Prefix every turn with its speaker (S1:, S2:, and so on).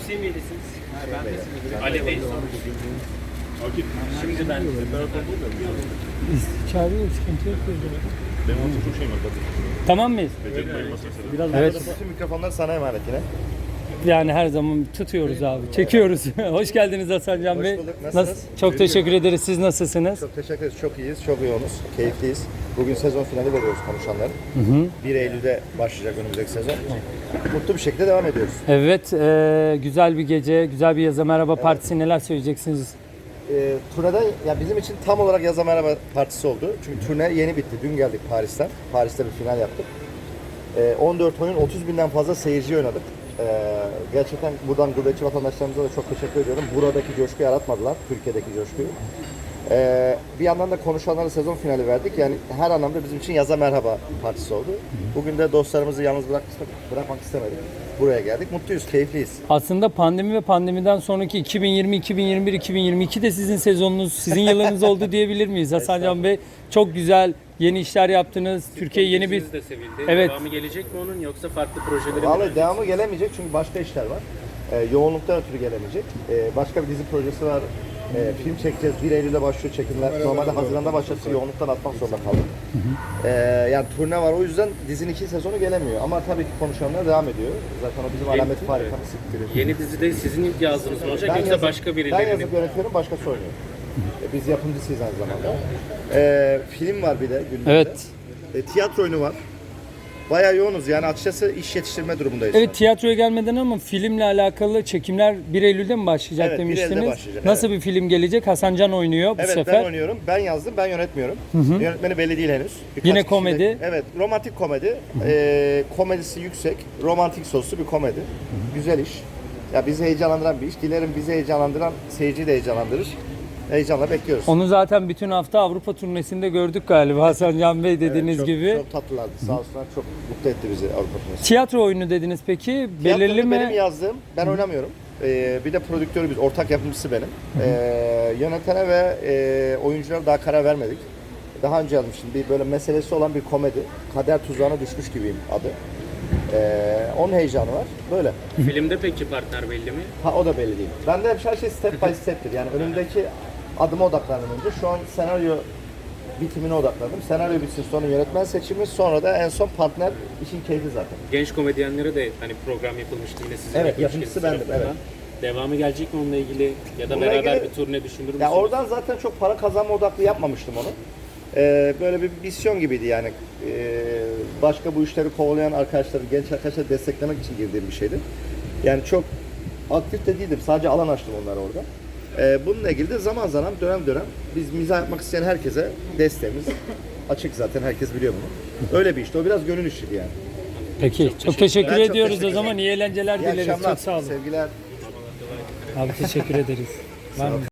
S1: Semih'lisiniz. Ben de Semih'liyim. Ali Bey Şimdi ben
S2: Çağırıyor, sıkıntı yok.
S3: Benim artık çok şeyim var.
S2: Tamam mıyız?
S3: Biraz
S2: Evet.
S3: bütün mikrofonlar sana emanet yine.
S2: Yani her zaman tutuyoruz abi, çekiyoruz. Hoş geldiniz Hasan Can
S3: Hoş
S2: Bey.
S3: bulduk, nasılsınız?
S2: Çok teşekkür ederiz. Siz nasılsınız?
S3: Çok teşekkür ederiz. Çok iyiyiz, çok yoğunuz, keyifliyiz. Bugün sezon finali veriyoruz konuşanların. 1 Eylül'de başlayacak önümüzdeki sezon. Mutlu bir şekilde devam ediyoruz.
S2: Evet, güzel bir gece, güzel bir Yaza Merhaba Partisi. Neler söyleyeceksiniz?
S3: Turneden, ya bizim için tam olarak Yaza Merhaba Partisi oldu. Çünkü turne yeni bitti. Dün geldik Paris'ten. Paris'te bir final yaptık. 14 oyun, 30 binden fazla seyirci oynadık. Gerçekten buradan gurbetçi vatandaşlarımıza da çok teşekkür ediyorum. Buradaki coşkuyu yaratmadılar, Türkiye'deki coşkuyu. Bir yandan da konuşanlara sezon finali verdik. Yani her anlamda bizim için Yaza Merhaba Partisi oldu. Bugün de dostlarımızı yalnız bırakmak istemedik. Buraya geldik. Mutluyuz, keyifliyiz.
S2: Aslında pandemi ve pandemiden sonraki 2020, 2021, 2022 de sizin sezonunuz, sizin yılınız oldu diyebilir miyiz? Hasan Can Bey çok güzel yeni işler yaptınız. Türkiye yeni bir...
S1: de sevildi.
S2: Evet.
S1: Devamı gelecek mi onun yoksa farklı projeleri mi?
S3: Vallahi devamı gelemeyecek çünkü başka işler var. Yoğunluktan ötürü gelemeyecek. Başka bir dizi projesi var. Film çekeceğiz. 1 Eylül'de başlıyor çekimler. Normalde Haziran'da başlattı. Yoğunluktan atmak zorunda kaldık. Yani turne var. O yüzden dizinin 2 sezonu gelemiyor. Ama tabii ki konuşanlar devam ediyor. Zaten o bizim alamet farikamız.
S1: Yeni dizide sizin ilk yazdığınız mı olacak
S3: Ben
S1: yoksa
S3: yazıp,
S1: başka
S3: ben
S1: birilerinin?
S3: yazıp yönetiyorum, başkası oynuyor. Biz yapımcısıyız aynı zamanda. Film var bir de gündemde.
S2: Evet.
S3: Tiyatro oyunu var. Bayağı yoğunuz yani açıkçası iş yetiştirme durumundayız.
S2: Evet, tiyatroya gelmeden ama filmle alakalı çekimler 1 Eylül'de mi başlayacak
S3: Evet, 1
S2: demiştiniz?
S3: Eylül'de başlayacak,
S2: Nasıl bir film gelecek? Hasan Can oynuyor bu
S3: Evet
S2: sefer.
S3: ben oynuyorum, ben yazdım, ben yönetmiyorum. Yönetmeni belli değil henüz.
S2: Yine
S3: kişiyle-
S2: komedi.
S3: Evet, romantik komedi. Komedisi yüksek, romantik soslu bir komedi. Güzel iş. Ya bizi heyecanlandıran bir iş. Dilerim bizi heyecanlandıran seyirciyi de heyecanlandırır. Heyecanla bekliyoruz.
S2: Onu zaten bütün hafta Avrupa turnesinde gördük galiba Hasan Can Bey dediğiniz
S3: çok,
S2: gibi.
S3: Çok tatlılardı. Sağ olsunlar. Çok mutlu etti bizi Avrupa turnesi.
S2: Tiyatro oyunu dediniz peki. Belirli
S3: Tiyatroyu
S2: mi?
S3: benim yazdığım, ben oynamıyorum. Bir de prodüktörü biz, ortak yapımcısı benim. Yönetene ve oyunculara daha karar vermedik. Daha önce yazmıştım. Bir böyle meselesi olan bir komedi. Kader tuzağına düşmüş gibiyim adı. Onun heyecanı var. Böyle.
S1: Filmde peki partner belli mi?
S3: Ha o da belli değil. Ben de hep her şey step by step'tir. Yani önümdeki adıma odaklandım önce. Şu an senaryo bitimine odaklandım. Senaryo bitsin, sonra yönetmen seçimi, sonra da en son partner, işin keyfi zaten.
S1: Genç komedyenlere de hani program yapılmıştı yine sizin.
S3: Evet,
S1: yapmış
S3: yapımcısı
S1: kendisi
S3: bendim,
S1: tarafından. Devamı gelecek mi onunla ilgili ya da
S3: Bununla
S1: beraber
S3: ilgili-
S1: bir turne düşünür müsünüz?
S3: Ya oradan zaten çok para kazanma odaklı yapmamıştım onu. Böyle bir misyon gibiydi yani. Başka bu işleri kovalayan arkadaşları, genç arkadaşları desteklemek için girdiğim bir şeydi. Yani çok aktif de değildim. Sadece alan açtım onlara orada. Bununla ilgili de zaman zaman dönem dönem biz mizah yapmak isteyen herkese desteğimiz açık zaten. Herkes biliyor bunu. Öyle bir işte. O biraz gönül işiydi yani.
S2: Peki. Çok teşekkür
S3: Ben çok
S2: ediyoruz
S3: teşekkür
S2: o zaman. İyi eğlenceler
S3: İyi
S2: dileriz.
S3: akşamlar.
S2: Çok sağ olun.
S3: Sevgiler.
S2: Abi teşekkür ederiz. Var mı?